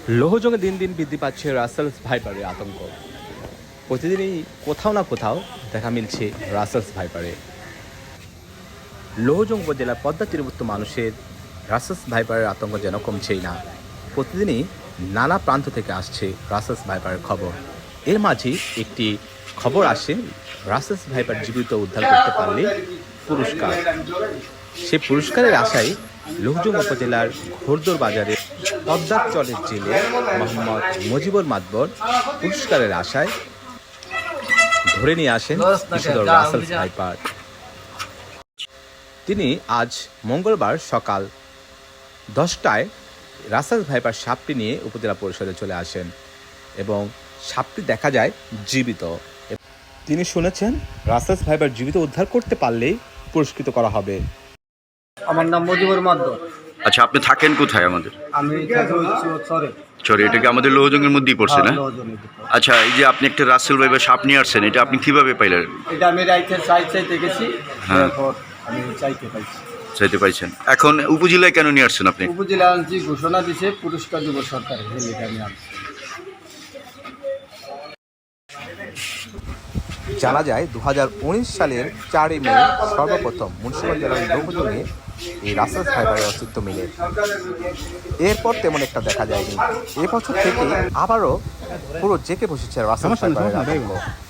লোহজংয়ে দিন দিন বৃদ্ধি পাচ্ছে রাসেলস ভাইপারের আতঙ্ক। প্রতিদিনই কোথাও না কোথাও দেখা মিলছে রাসেলস ভাইপারে। লোহজং উপজেলার পদ্মা তীরবর্তী মানুষের রাসেলস ভাইপারের আতঙ্ক যেন কমছেই না। প্রতিদিনই নানা প্রান্ত থেকে আসছে রাসেলস ভাইপারের খবর। এর মাঝে একটি খবর আসে, রাসেলস ভাইপার জীবিত উদ্ধার করতে পারলে পুরস্কার। সে পুরস্কারের আশায় লোহজং উপজেলার ঘোরদোর বাজারে পদ্মার চরের জেলে মোহাম্মদ মুজিবুর মাতবর পুরস্কারের আশায় ধরে নিয়ে আসেন বিষধর রাসেলস ভাইপার। তিনি আজ মঙ্গলবার সকাল 10টায় রাসেলস ভাইপার সাপটি নিয়ে উপজেলা পরিষদে চলে আসেন এবং সাপটি দেখা যায় জীবিত। তিনি শুনেছেন রাসেলস ভাইপার জীবিত উদ্ধার করতে পারলেই পুরস্কৃত করা হবে। আমার নাম মুজিবুর মাতবর। আচ্ছা, আপনি থাকেন কোথায়? আমাদের আমি চরে। এটা কি আমাদের লোহজংয়ের মধ্যেই পড়ছে না? আচ্ছা, এই যে আপনি একটা রাসেল ভাইপার সাপ নিয়ে আসছেন, এটা আপনি কিভাবে পাইলেন? এটা আমি রাইতে চাইতে গেছি, তারপর আমি চাইতে পাইছেন। এখন উপজেলায় কেন নিয়ে আসছেন আপনি? উপজেলা আনছি, ঘোষণা দিছে পুরস্কার দিব সরকারের, আমি আনছি। জানা যায় 2019 সালের 4 মে সর্বপ্রথম মুন্সিগঞ্জ জেলার লোহজংয়ে এই রাসেলস ভাইপারের অস্তিত্ব মিলে। এরপর তেমন একটা দেখা যায়নি। এবছর থেকে আবারও পুরো জেঁকে বসেছে রাসেলস ভাইপারের আতঙ্ক।